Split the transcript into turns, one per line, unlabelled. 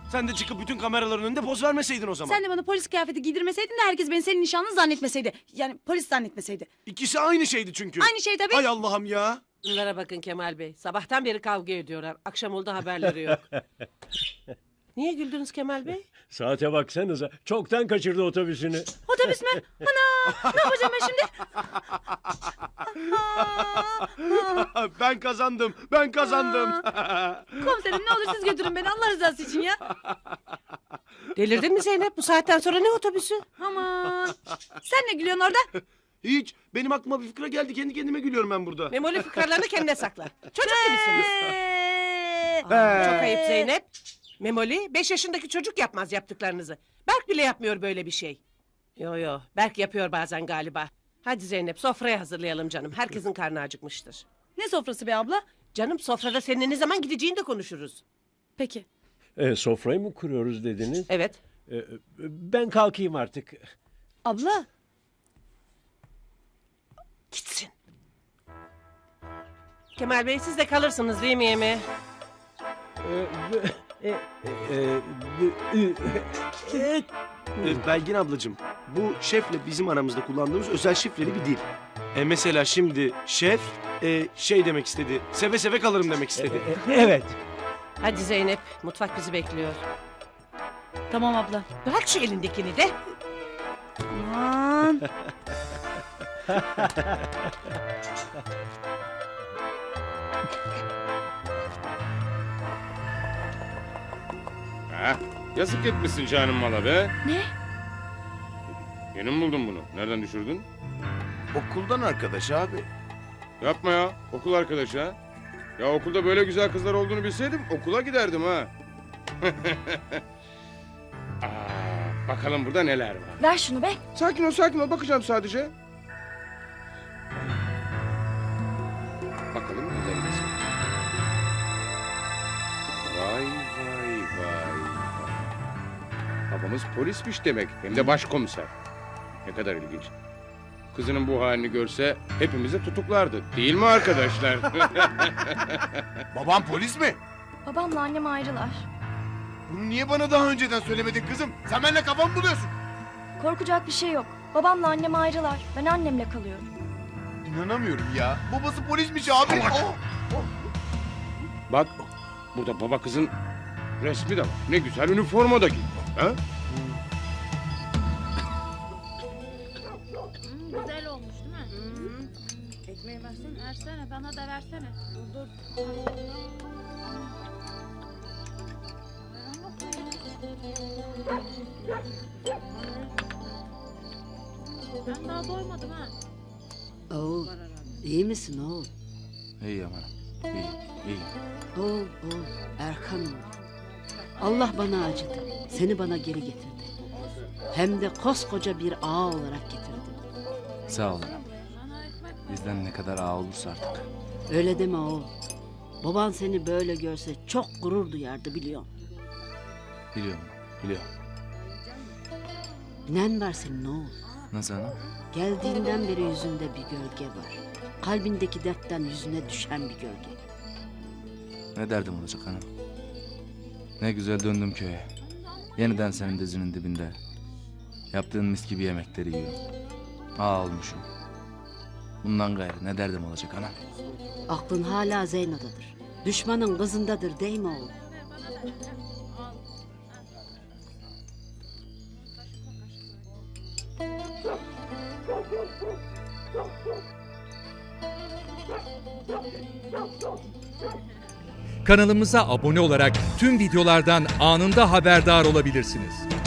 Sen de çıkıp bütün kameraların önünde poz vermeseydin o zaman.
Sen de bana polis kıyafeti giydirmeseydin de herkes beni senin nişanlın zannetmeseydi. Yani polis zannetmeseydi.
İkisi aynı şeydi çünkü.
Aynı şey tabii.
Ay Allah'ım ya.
Bunlara bakın Kemal Bey. Sabahtan beri kavga ediyorlar. Akşam oldu haberleri yok. Niye güldünüz Kemal Bey?
Saate baksanıza. Çoktan kaçırdı otobüsünü.
Otobüs mü? Ana! Ne yapacağım ben şimdi?
Ben kazandım. Ben kazandım.
Komiserim ne olur siz götürün beni Allah rızası için ya.
Delirdin mi Zeynep? Bu saatten sonra ne otobüsü?
Aman. Sen ne gülüyorsun orada?
Hiç. Benim aklıma bir fikre geldi. Kendi kendime gülüyorum ben burada.
Memoli fıkralarını kendine sakla. Çocuk gibisiniz.
Ee,
Çok ayıp Zeynep. Memoli 5 yaşındaki çocuk yapmaz yaptıklarınızı. Berk bile yapmıyor böyle bir şey. Yo Berk yapıyor bazen galiba. Hadi Zeynep sofraya hazırlayalım canım. Herkesin karnı acıkmıştır.
Ne sofrası be abla?
Canım sofrada seninle ne zaman gideceğini de konuşuruz.
Peki.
Sofrayı mı kuruyoruz dediniz?
Evet.
Ben kalkayım artık.
Abla.
Gitsin. Kemal Bey siz de kalırsınız değil mi yemeğe?
Belgin ablacığım. Bu şefle bizim aramızda kullandığımız özel şifreli bir dil. Mesela şimdi şef şey demek istedi. Seve seve kalırım demek istedi.
Evet.
Hadi Zeynep mutfak bizi bekliyor.
Tamam abla.
Bırak şu elindekini de.
Aman.
Ha, yazık etmişsin canım mala be.
Ne?
Yeni mi buldun bunu? Nereden düşürdün?
Okuldan arkadaş abi.
Yapma ya. Okul arkadaşı ha. Ya okulda böyle güzel kızlar olduğunu bilseydim okula giderdim ha. Bakalım burada neler var.
Ver şunu be.
Sakin ol. Bakacağım sadece. Bakalım nelerimiz var. Vay. Babamız polismiş demek. Hem de başkomiser. Ne kadar ilginç. Kızının bu halini görse hepimizi tutuklardı. Değil mi arkadaşlar?
Babam polis mi?
Babamla annem ayrılar.
Bunu niye bana daha önceden söylemedin kızım? Sen benimle kafamı buluyorsun.
Korkacak bir şey yok. Babamla annem ayrılar. Ben annemle kalıyorum.
İnanamıyorum ya. Babası polismiş abi. Oh!
Bak burada baba kızın resmi de var. Ne güzel üniforma da giymiş. Ha?
Güzel olmuş değil mi? Ekmeği versene, bana da versene. Dur. Ben daha doymadım ha.
Oğul, iyi misin oğul?
İyi aman. İyi.
Oğul, Erkan oğul. Allah bana acıdı. Seni bana geri getirdi. Hem de koskoca bir ağa olarak getirdi.
Sağ olun. Bizden ne kadar ağa olursa artık.
Öyle deme oğul. Baban seni böyle görse çok gurur duyardı biliyorum.
Biliyorum.
Nen var senin oğul.
Nasıl anam?
Geldiğinden beri yüzünde bir gölge var. Kalbindeki dertten yüzüne düşen bir gölge.
Ne derdim olacak hanım? Ne güzel döndüm köye. Yeniden senin dizinin dibinde. Yaptığın mis gibi yemekleri yiyorum. Ağa olmuşum. Bundan gayrı ne derdim olacak anam?
Aklın hala Zeyno'dadır. Düşmanın kızındadır değil mi oğul?
Kanalımıza abone olarak tüm videolardan anında haberdar olabilirsiniz.